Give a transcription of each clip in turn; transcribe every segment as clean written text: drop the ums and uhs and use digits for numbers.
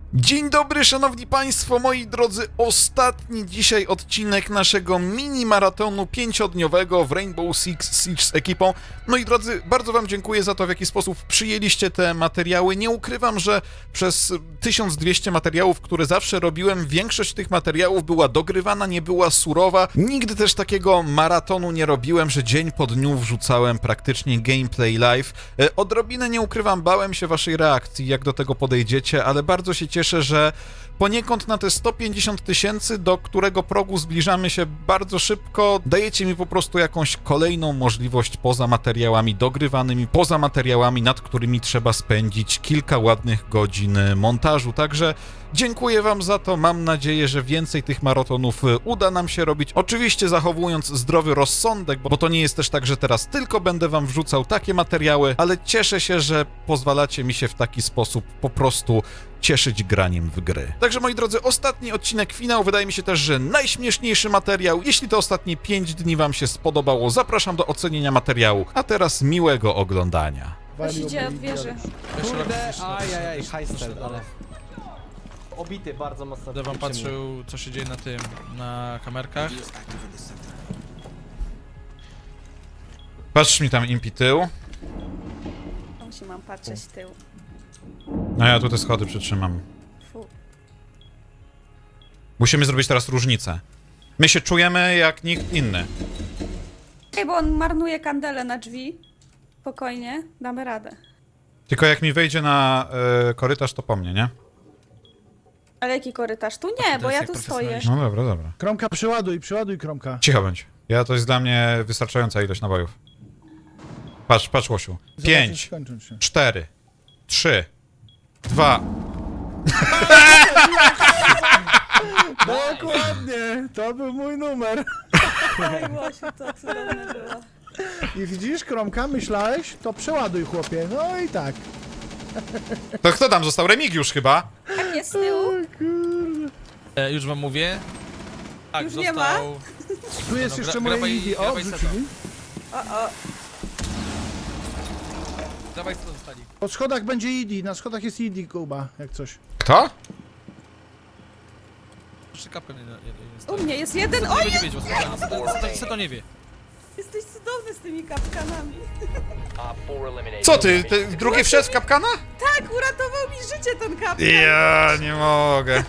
Dzień dobry, szanowni państwo, moi drodzy, ostatni dzisiaj odcinek naszego mini-maratonu 5-dniowego w Rainbow Six Siege z ekipą. Moi drodzy, bardzo wam dziękuję za to, w jaki sposób przyjęliście te materiały. Nie ukrywam, że przez 1200 materiałów, które zawsze robiłem, większość tych materiałów była dogrywana, nie była surowa. Nigdy też takiego maratonu nie robiłem, że dzień po dniu wrzucałem praktycznie gameplay live. Odrobinę, nie ukrywam, bałem się waszej reakcji, jak do tego podejdziecie, ale bardzo się cieszę, że poniekąd na te 150 000, do którego progu zbliżamy się bardzo szybko, dajecie mi po prostu jakąś kolejną możliwość poza materiałami dogrywanymi, poza materiałami, nad którymi trzeba spędzić kilka ładnych godzin montażu. Także dziękuję wam za to, mam nadzieję, że więcej tych maratonów uda nam się robić. Oczywiście zachowując zdrowy rozsądek, bo to nie jest też tak, że teraz tylko będę wam wrzucał takie materiały, ale cieszę się, że pozwalacie mi się w taki sposób po prostu cieszyć graniem w gry. Także moi drodzy, ostatni odcinek, finał, wydaje mi się też, że najśmieszniejszy materiał. Jeśli to ostatnie 5 dni wam się spodobało, zapraszam do ocenienia materiału, a teraz miłego oglądania. Ktoś idzie od wieży. Kurde, ajajaj, hajster, ale... Obity bardzo mocno. Będę wam patrzył, co się dzieje na tym, na kamerkach. Patrz mi tam impi tył. Musi mam patrzeć w tył. No ja tu te schody przytrzymam. Fu. Musimy zrobić teraz różnicę. My się czujemy jak nikt inny. Ej, bo on marnuje kandelę na drzwi. Spokojnie, damy radę. Tylko jak mi wejdzie na korytarz, to po mnie, nie? Ale jaki korytarz? Tu nie, bo ja tu stoję. No dobra, dobra. Kromka, przeładuj Kromka. Cicho bądź. To jest dla mnie wystarczająca ilość nabojów. Patrz, Łosiu. Zobaczysz, 5, skończą się. 4, 3, 2. Dokładnie, to był mój numer. Oj, Łosiu, to cudowne było. I widzisz, Kromka, myślałeś? To przeładuj, chłopie. No i tak. To kto tam został? Remigiusz chyba? Tak jest z tyłu. Już wam mówię. Tak, Już został... nie ma? Tu jest No, jeszcze grabaj- moje Eevee. O, grabaj wrzucili. O, Dawaj, co zostali. Po schodach będzie Eevee, na schodach jest Eevee, Kuba, jak coś. Kto? Jeszcze kapkę nie u mnie jest jeden. Nie Oj, będzie wiedział, co to nie wie. jesteś cudowny z tymi kapkanami. Co ty drugi wszedł w kapkana? Tak, uratował mi życie ten kapkan. Ja nie mogę.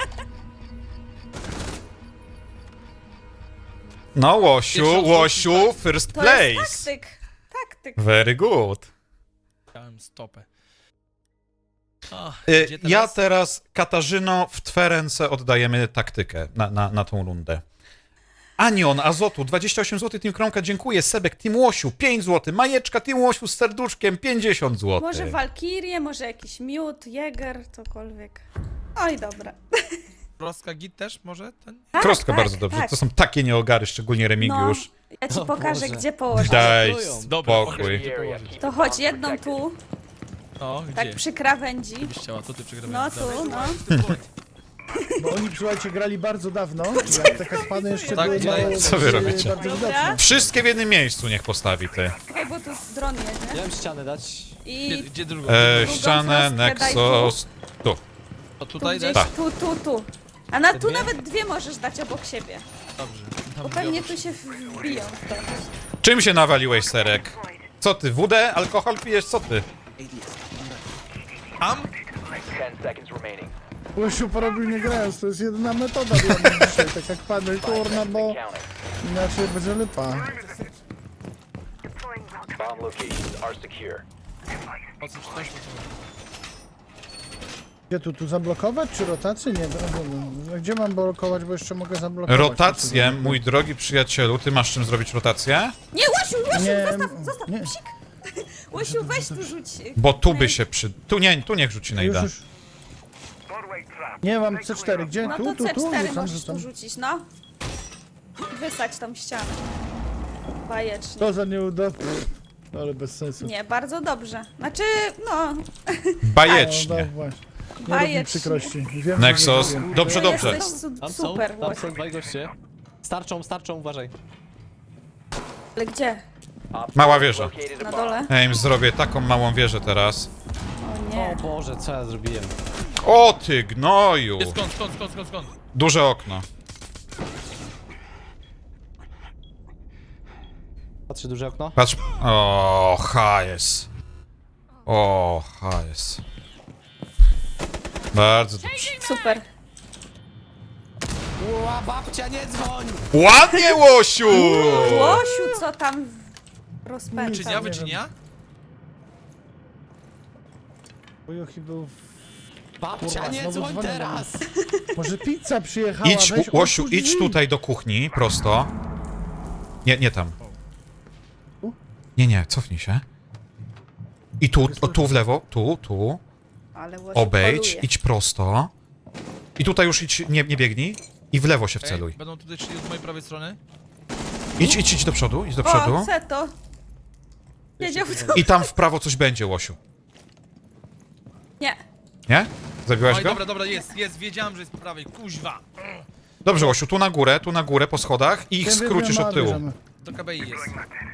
No, Łosiu, first To jest place. taktyk. Very good. Dałem stopę. O, gdzie Ja teraz, Katarzyno, w twe ręce oddajemy taktykę na tą rundę. Anion, Azotu, 28 zł, Team Kromka, dziękuję. Sebek, Team Łosiu, 5 zł. Majeczka, Team Łosiu z serduszkiem, 50 zł. Może walkirię, może jakiś miód, jäger, cokolwiek. Oj, dobra. Krostka git też może? Ten? Tak, Krostka tak, bardzo dobrze, tak. to są takie nieogary, szczególnie Remigiusz. No, ja ci O pokażę, Boże. gdzie położyć. Daj Dobra, spokój. To chodź jedną tu, No, gdzie? tak przy krawędzi. Byś chciała, to ty przegrywaj. No tu, no. Bo oni, słuchajcie, grali bardzo dawno. Jak te kaspany jeszcze Tak, były tutaj. mało, Co wy robicie? bardzo Dobra. widoczne. Wszystkie w jednym miejscu niech postawi ty. Czekaj, bo tu dron jedzie. Miałem ścianę dać. I Gdzie drugą? Ścianę, frostkę daj Nexus, tu. To tu tutaj gdzieś, dać? tu. A na tu Dwie? nawet dwie możesz dać obok siebie. Dobrze. Tam Bo pewnie tu się wbiją w to. Czym się nawaliłeś, Serek? Co ty, wódę? Alkohol pijesz? Co ty? Tam? Łosiu porobił nie grając, to jest jedyna metoda dla mnie dzisiaj, tak jak pany, kurna, bo inaczej będzie lipa. Po co czy coś? Gdzie tu zablokować, czy rotację? Nie, gdzie mam blokować, bo jeszcze mogę zablokować. Rotację, mój drogi przyjacielu, ty masz czym zrobić rotację? Nie, Łosiu, Nie, zostaw, nie. psik. Łosiu, weź tu rzuć. Bo tu by się tu niech rzuci najda. Już. Nie, mam C4, gdzie? No Tu, to tu, tu, C4 rzucam, możesz rzucam. tu rzucić, no. Wysać tą ścianę. Bajecznie. To za nieuda... Ale bez sensu. Nie, bardzo dobrze. Znaczy, no, No, Bajecznie. właśnie. Nie rób mi bajecznie. przykrości. Wiem, że Nexus, nie robię. dobrze, to dobrze. jesteś Tam są, super, tam Łosiu. są dwaj goście. Starczą, uważaj. Ale gdzie? Mała wieża. Na dole? Ja im zrobię taką małą wieżę teraz. O O nie. Boże, co ja zrobiłem? O ty gnoju! Jest skąd? Duże okno. Patrzy duże okno. Patrz. O, HS. O, HS. Bardzo dobrze. Super. Ła, babcia, nie dzwoń! Ładnie, Łosiu! Łosiu, co tam rozpędza? Wyczynia, wyczynia? Ujuchi był... Babcia, Kurwa, nie znowu dzwoń dzwonią do teraz! Może pizza przyjechała, Idź, weź, Łosiu, otwórz idź drzwi. tutaj do kuchni, prosto. Nie tam. Tu? Nie, cofnij się. I tu, tu w lewo, tu. Ale Łosiu Obejdź, poluje. idź prosto. I tutaj już idź, nie biegnij. I w lewo się Ej, wceluj. będą tutaj szli od mojej prawej strony? Idź do przodu, idź do O, przodu. Seto. Wiedział co. I tam w prawo coś będzie, Łosiu. Nie. Nie? Zabiłaś Oj, go? dobra, jest, wiedziałem, że jest po prawej, kuźwa. Dobrze, Łosiu, tu na górę po schodach i ich Wiem, skrócisz wiem, od tyłu. bierzemy. Do KBI jest.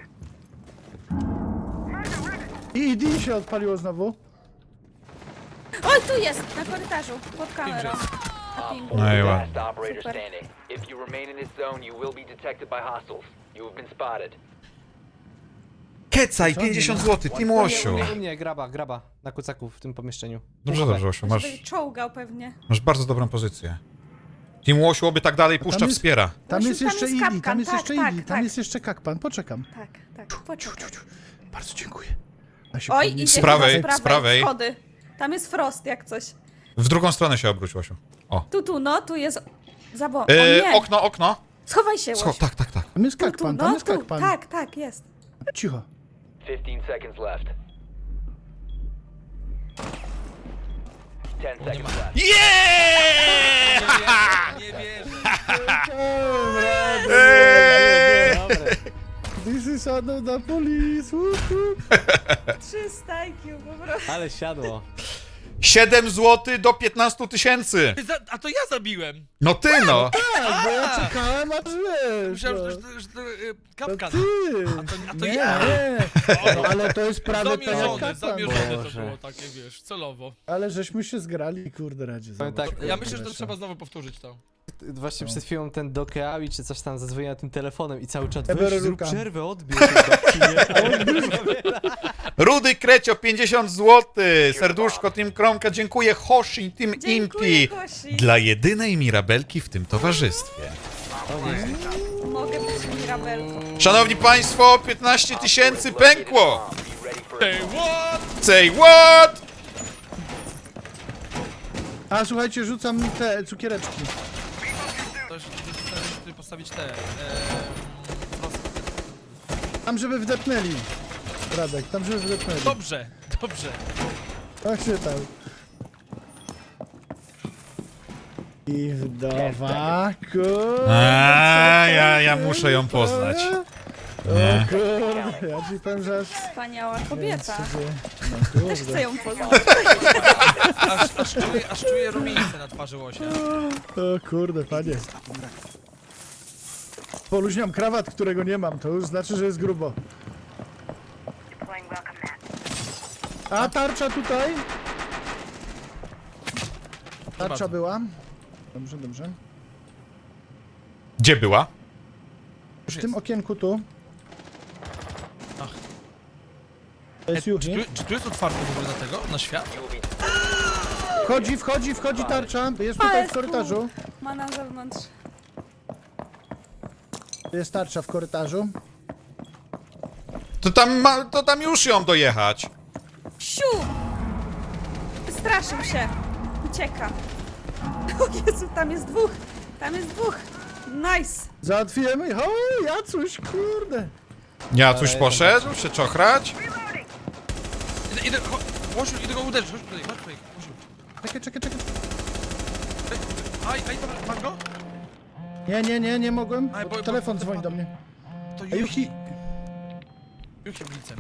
I ID się odpaliło znowu. Oj, tu jest, na korytarzu, pod kamerą. Na pingu. No i ładnie. Last operator Super. standing. If you remain in this zone, you will be detected by hostiles. You have been spotted. Kecaj, 50 zł, Team Łosiu. U mnie, graba, na kucaku w tym pomieszczeniu. Dobrze, Łosiu, masz, Żeby czołgał pewnie. masz bardzo dobrą pozycję. Team Łosiu oby tak dalej puszcza, tam jest- wspiera. Tam Łosiu, jest tam jeszcze jest ID, kapkan, tam jest tak, jeszcze tak, ID, tam tak. jest jeszcze kakpan, poczekam. Tak, poczekaj. Bardzo dziękuję. Ja się Oj, podnieś- idzie prawej, chyba z prawej. Schody. Tam jest Frost, jak coś. W drugą stronę się obróć, Łosiu. O. Tu jest... O nie! Okno. Schowaj się, Łosiu. Tak. Tam jest Tu, kakpan, tam jest tu. kakpan. Tak, jest. Cicho. 15 seconds left. 10 seconds left. Yeah! Nie wierzę. Dobre. This is another police. Whoop, whoop. 300 IQ po prostu. Ale siadło. 7 zł do 15 tysięcy. A to ja zabiłem. No ty no. Tak, bo ja czekałem, aż wiesz. Myślałem, no. że to To kapkan. ty. A to nie, ja. nie. No, ale to jest prawie tak jak kakpan. Zamierzone to Boże. było takie, wiesz, celowo. Ale żeśmy się zgrali, kurde, radzie. Powiem zobacz. tak, Ja myślę, że to trzeba znowu powtórzyć to. Właśnie przed chwilą ten Dokeawi czy coś tam zadzwonił tym telefonem i cały czat Ebery weź, zrób Luka. przerwę, odbierz tej babci, nie? Rudy Krecio, 50 zł. Serduszko, Team Kromka, dziękuję. Hoshi, Team Dziękuję, Impi. Gosi. Dla jedynej Mirabelki w tym towarzystwie. Mogę być Mirabelką. Szanowni Państwo, 15 tysięcy pękło. Be ready for Hey, what? Say what? A słuchajcie, rzucam te cukiereczki. Też tutaj postawić te... Tam, żeby wdepnęli. Radek, tam, żeby wdepnęli. Dobrze. Tak się tam. I wdowa, A, ja muszę ją poznać. O kurde, ja ci powiem, że aż... Wspaniała kobieta. No Też kurde. chcę ją poznać. Aż czuję rumienicę na twarzy łosia. O kurde, panie. Poluźniam krawat, którego nie mam, to już znaczy, że jest grubo. A tarcza tutaj? Tarcza bardzo. była. Dobrze, dobrze. Gdzie była? W tym okienku tu. Ach. To jest Juchi. Czy tu jest otwarte w ogóle na tego? Na świat? Wchodzi tarcza. Jest tutaj w korytarzu. Ma na zewnątrz. Jest tarcza w korytarzu. To tam już ją dojechać. Siu! Wystraszył się. Ucieka. O Jezu, tam jest dwóch. Nice. Załatwiłem. O, Jacuś, kurde. Jacuś poszedł się czochrać. Idę, Łosiu, idę go uderzyć, chodź tutaj, Łosiu. Czekaj. Aj, dobra, masz go? Nie mogłem. Aj, bo- Telefon bo- dzwoni do mnie. To A Juchi, Juchi blicem.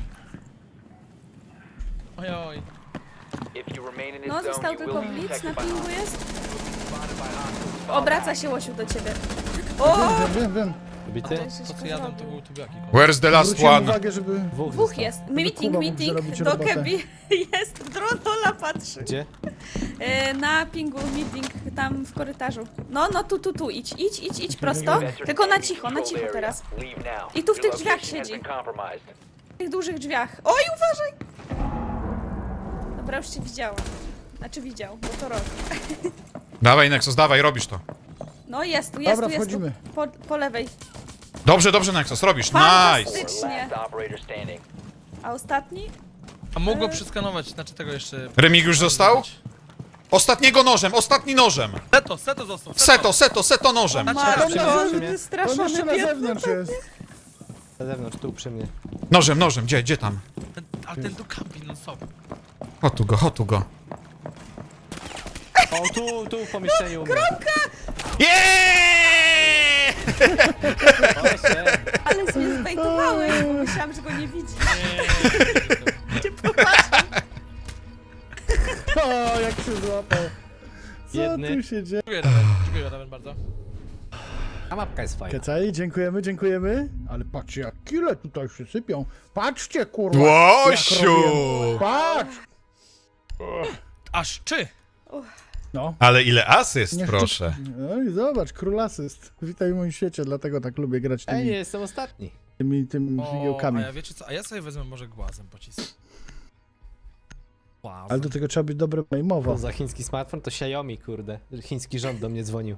Ojoj. If you remain in this No, zone, został you tylko will be blitz, na detected by pingu hostiles. jest. Obraca się Łosiu do ciebie. O! wiem. Zabity? To co jadą to był tubiaki. Where's the last Zwróciłem one? uwagę, żeby... Dwóch jest. Kuba mógł zrobić Do robotę. Kebi jest. Dronola patrzy. Gdzie? Na pingu meeting tam w korytarzu. No, tu, idź prosto. Tylko na cicho teraz. Leave now. I tu w tych Your drzwiach location has siedzi. been compromised. W tych dużych drzwiach. Oj, uważaj! Dobra, już cię widziałam. Znaczy widział, bo to robi. Dawaj, Nexus, dawaj, robisz to. No jest tu, Dobra, jest tu. wchodzimy. Po lewej. Dobrze, Nexus, robisz. Nice! Fantastycznie. Last operator standing. A ostatni? A mógł go przeskanować, znaczy tego jeszcze... Remig już został? Ostatni nożem. Seto został. Seto nożem. Marno, przy on mnie. On wystraszony jeszcze na biedny. zewnątrz jest. Na zewnątrz, tu przy mnie. Nożem, gdzie tam? Ale ten tu kampi non stop. Hotu go. O, tu w pomieszczeniu umrę. Jeeeeee! Proszę. Ale mnie zbejtowałeś, bo myślałam, że go nie widzi. Cię popatrzę. O, jak się złapał. Co Jedny. tu się dzieje? Dziękuję Raven bardzo. A mapka jest fajna. Kecaj, dziękujemy. Ale patrzcie, jak kile tutaj się sypią. Patrzcie, kurwa. Łosiu! jak robię. Patrz! Aż czy? No. Ale ile asyst, Niech proszę. No i zobacz, król asyst. Witaj w moim świecie, dlatego tak lubię grać Ej, tymi, jestem ostatni. tymi O, figiełkami. a ja wiecie co? A ja sobie wezmę może głazem pocisk. Głazem. Ale do tego trzeba być dobre maimowo. To za chiński smartfon to Xiaomi, kurde. Chiński rząd do mnie dzwonił.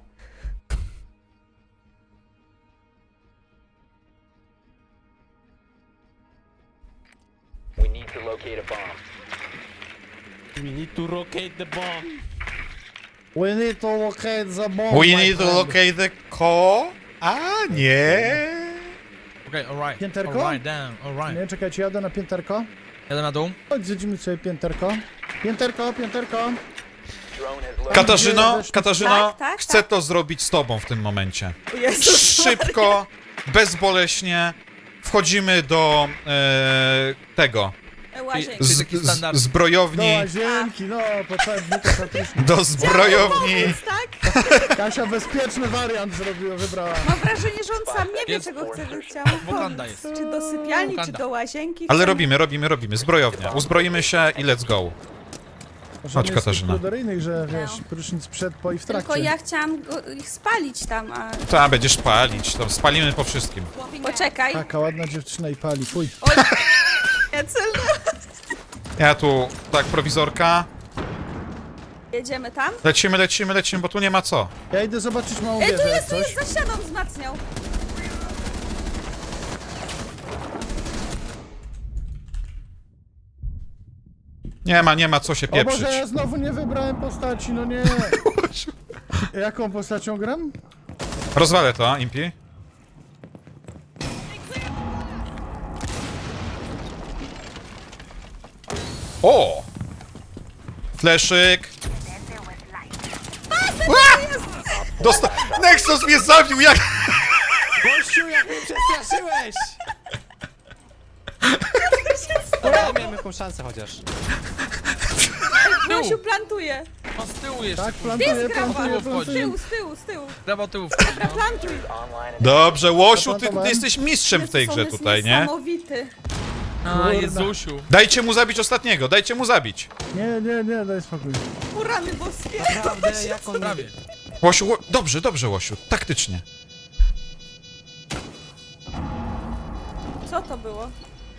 We need to locate a bomb. We need to rotate the bomb. We need to locate the bomb, We my need to friend. locate the co? A nie. Okej, alright. Pięterko? Alright, down, alright. Nie, czekajcie, jadę na pięterko. Jadę na dół. Chodź, zjedziemy sobie pięterko. Pięterko. Drone has located. Katarzyno, Tak, chcę to zrobić z tobą w tym momencie. O Jezus. Szybko, bezboleśnie wchodzimy do tego. Łazienki. Czyli taki standard. Do Zbrojowni. łazienki, no, po całym dniu patricznie. Do zbrojowni. Tak? Kasia bezpieczny wariant wybrała. Mam wrażenie, że on sam nie wie, Yes, czego chce, że chciał. Wakanda jest. Czy do sypialni, czy Wakanda. do łazienki. Ale Chcemy- robimy. Zbrojownia. Uzbroimy się i let's go. Może Chodź, nie jest Katarzyna. tych pruderyjnych, że wiesz, prysznic przed, po i w trakcie. Tylko ja chciałam ich spalić tam, a... Ta, będziesz palić. To spalimy po wszystkim. Poczekaj. Taka ładna dziewczyna i pali, fuj. Oj, nie celno. Ja tu, tak, prowizorka. Jedziemy tam? Lecimy, bo tu nie ma co. Ja idę zobaczyć małą Ej, tu wieżę, jak jest, coś. za ścianą wzmacniał. Nie ma co się O Boże, pieprzyć. ja znowu nie wybrałem postaci, no nie. Jaką postacią gram? Rozwalę to, Impi. O! Fleszyk. Nexus mnie zabił, jak... Gościu, jak mnie przestraszyłeś! Dobra, ja miałem jakąś szansę chociaż. Gosiu plantuje. O, z tyłu jeszcze. Tak, kurwa. plantuję, Grawa. plantuję, Z plantuję. tyłu, z tyłu. Brawo tyłu. Dobra, plantuj. Online and Dobrze, Łosiu, ty Zaplantowałem. jesteś mistrzem w tej Jezus, grze on jest tutaj, nie? Niesamowity. A, Jezusiu. Dajcie mu zabić ostatniego, dajcie mu zabić. Nie, daj spokój. Urany boskie. Naprawdę, jak on... Prawie. Łosiu, dobrze, Łosiu, taktycznie. Co to było?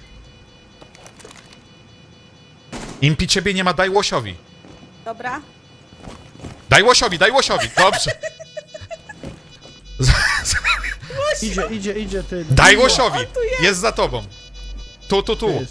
Impi, ciebie nie ma, daj Łosiowi. Dobra. Daj Łosiowi, dobrze. Idzie, ty. Daj Łosiowi, tu jest. jest za tobą. Tu. Jest.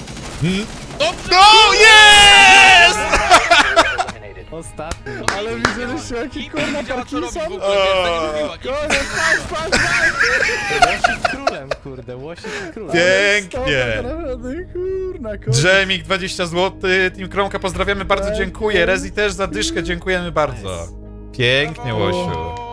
No, jest! eliminated. Ostatni. Ale widzieliście, jaki kurna Wiedziała co robi w Parkinson? ogóle, wiesz, tak jak mówiła. Koniec, patrz! Łosik królem, kurde, łosik królem. Pięknie. Kurna, Drzemik 20 zł, Team Kromka pozdrawiamy, bardzo Pięknie. dziękuję. Rezi też za dyszkę, dziękujemy bardzo. Pięknie, Łosiu.